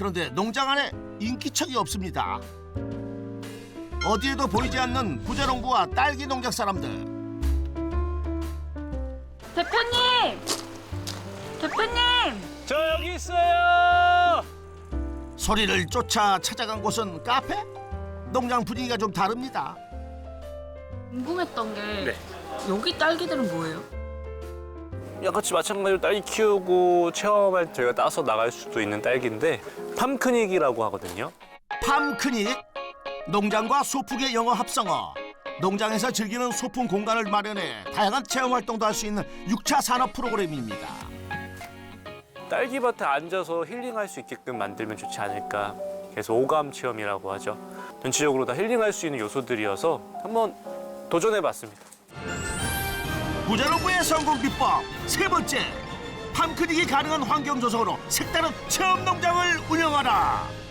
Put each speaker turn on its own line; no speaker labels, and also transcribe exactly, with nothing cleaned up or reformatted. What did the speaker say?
그런데 농장 안에 인기척이 없습니다. 어디에도 보이지 않는 부자농부와 딸기 농장 사람들.
대표님! 대표님!
저 여기 있어요.
소리를 쫓아 찾아간 곳은 카페? 농장 분위기가 좀 다릅니다.
궁금했던 게
네.
여기 딸기들은 뭐예요?
같이 마찬가지로 딸기 키우고 체험할 때 저희가 따서 나갈 수도 있는 딸기인데 팜크닉이라고 하거든요.
팜크닉, 농장과 소풍의 영어 합성어. 농장에서 즐기는 소풍 공간을 마련해 다양한 체험 활동도 할 수 있는 육 차 산업 프로그램입니다.
딸기밭에 앉아서 힐링할 수 있게끔 만들면 좋지 않을까. 그래서 오감 체험이라고 하죠. 전체적으로 다 힐링할 수 있는 요소들이어서 한번 도전해봤습니다.
부자농부의 성공 비법 세 번째, 팜크닉이 가능한 환경 조성으로 색다른 체험 농장을 운영하라.